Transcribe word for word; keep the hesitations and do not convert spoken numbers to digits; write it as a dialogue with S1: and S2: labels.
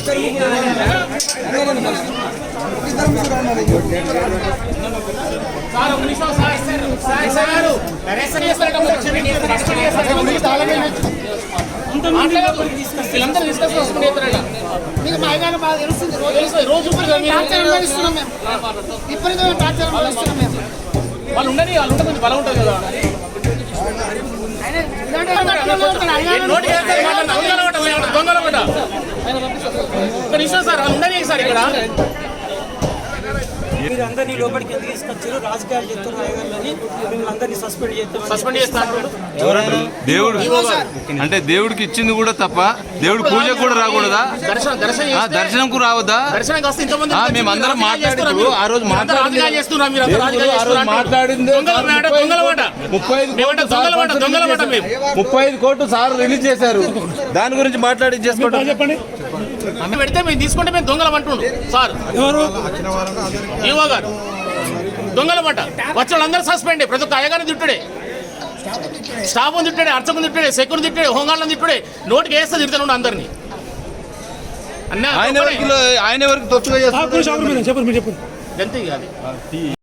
S1: మీకు మైదానం బాగా తెలుస్తుంది. రోజు అనుభవిస్తున్నాం మేము, విపరీతమైన టార్చర్ అనుభవిస్తున్నాం మేము.
S2: వాళ్ళు ఉండని వాళ్ళు ఉంటే కొంచెం బలం ఉంటుంది కదా. ఒక నిమిషం సార్, వాళ్ళు ఉండని సార్ ఇక్కడ.
S3: మీరు అందరినీ లోపలికి ఎందుకు తీసుకొచ్చారు? రాజకీయాలు చెప్తారు రాయగలని మిమ్మల్ని అందరినీ సస్పెండ్ చేస్తాం.
S2: సస్పెండ్ చేస్తారు
S4: దేవుడు అంటే దేవుడికి ఇచ్చింది కూడా తప్ప దేవుడు పూజ కూడా రాకూడదా?
S2: దర్శనం దర్శనం
S4: దర్శనంకు రావద్దా?
S2: దర్శనం వస్తే ఇంతమంది
S4: మేము అందరం మాట్లాడుతూ ఆ రోజు
S2: రాజకీయాలు చేస్తున్నాం. మీరు
S4: మాట్లాడింది ముప్పై ఐదు కోట్లు సార్ రిలీజ్ చేశారు. దాని గురించి మాట్లాడి చేసుకోవడం
S2: చెప్పండి. పెడితే మేము తీసుకుంటే మేము దొంగలం అంటుండు సార్. ఈవో గారు దొంగలమాట వచ్చిన వాళ్ళందరూ సస్పెండ్. ప్రతి ఒక్క అయ్యగారిని తిట్టుడే, స్టాఫ్ తిట్టాడే, అర్చకుని తిట్టాడే, సెక్యూరిటీ తిట్టాడే, హోంగాళ్ళని తిట్టుడే. నోటికి వేస్తే తిడతాను అందరినీ.
S4: ఆయన ఆయన ఎవరికి తొచ్చుగా చేస్తారు.
S2: అంతే.